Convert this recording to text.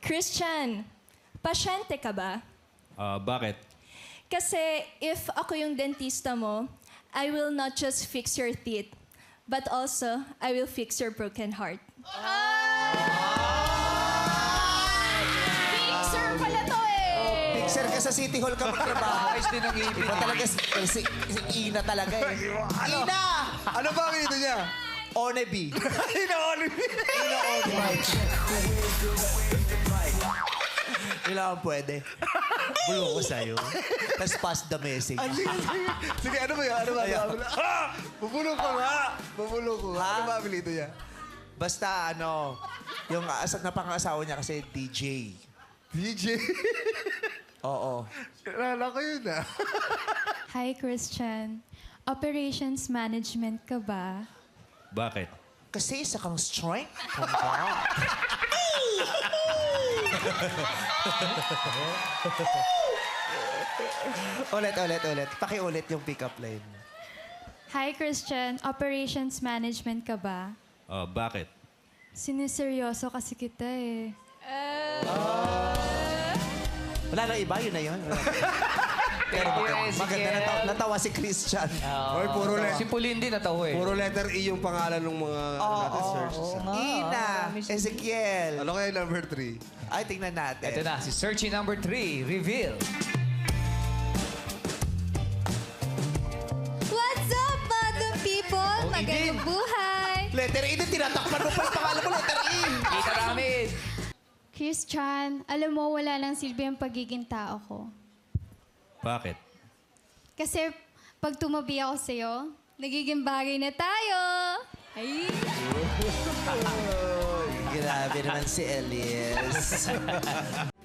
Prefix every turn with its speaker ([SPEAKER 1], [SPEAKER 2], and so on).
[SPEAKER 1] Christian, pasyente ka ba?
[SPEAKER 2] Bakit?
[SPEAKER 1] Kasi if ako yung dentista mo, I will not just fix your teeth, but also I will fix your broken heart.
[SPEAKER 3] Fixer pala to eh!
[SPEAKER 4] Fixer ka sa City Hall ka magtrabaho.
[SPEAKER 5] Ayos din ang ibig.
[SPEAKER 4] Iba talaga, si Ina talaga eh. Ina!
[SPEAKER 6] Ano ba ang ito niya?
[SPEAKER 4] Onebi.
[SPEAKER 6] Ina Olive.
[SPEAKER 4] Ina Onebi. Kailangan pwede. Bulong ko sa'yo. Tapos pass the message.
[SPEAKER 6] Sige, ano ba yun? Ano ba?
[SPEAKER 4] Ayaw.
[SPEAKER 6] Ha! Bubulong ko nga! Bubulong ko nga.
[SPEAKER 4] Ha?
[SPEAKER 6] Ano ba ang ito niya?
[SPEAKER 4] Basta ano, yung napangasawa niya kasi DJ.
[SPEAKER 6] DJ.
[SPEAKER 4] Oo.
[SPEAKER 6] Kilala ko yun ah.
[SPEAKER 7] Hi, Christian. Operations management ka ba?
[SPEAKER 2] Bakit?
[SPEAKER 4] Kasi isa kang strength. ulit. Pakiulit yung pick-up line.
[SPEAKER 7] Hi, Christian. Operations management ka ba?
[SPEAKER 2] Bakit?
[SPEAKER 7] Siniseryoso kasi kita eh.
[SPEAKER 4] Wala nang iba, yun na yun. Pero maganda natawa si Christian.
[SPEAKER 6] Hoy, puro
[SPEAKER 5] Si Pauline din natawa eh.
[SPEAKER 6] Puro letter E yung pangalan ng mga natin search.
[SPEAKER 4] Ina, Ezekiel.
[SPEAKER 6] Ano kaya number 3?
[SPEAKER 4] Ay, tingnan natin.
[SPEAKER 5] Ito na, si searching number 3, reveal.
[SPEAKER 3] What's up, madam people? Magandang buhay!
[SPEAKER 4] Letter E, din tinatakpan mo pa yung pangalan mo, letter E.
[SPEAKER 5] Kita namin.
[SPEAKER 7] Christian, alam mo wala nang silbi ang pagiging tao ko.
[SPEAKER 2] Bakit?
[SPEAKER 7] Kasi pag tumabi ako sa'yo, nagiging bagay na tayo. Ay!
[SPEAKER 4] Grabe naman si Elias.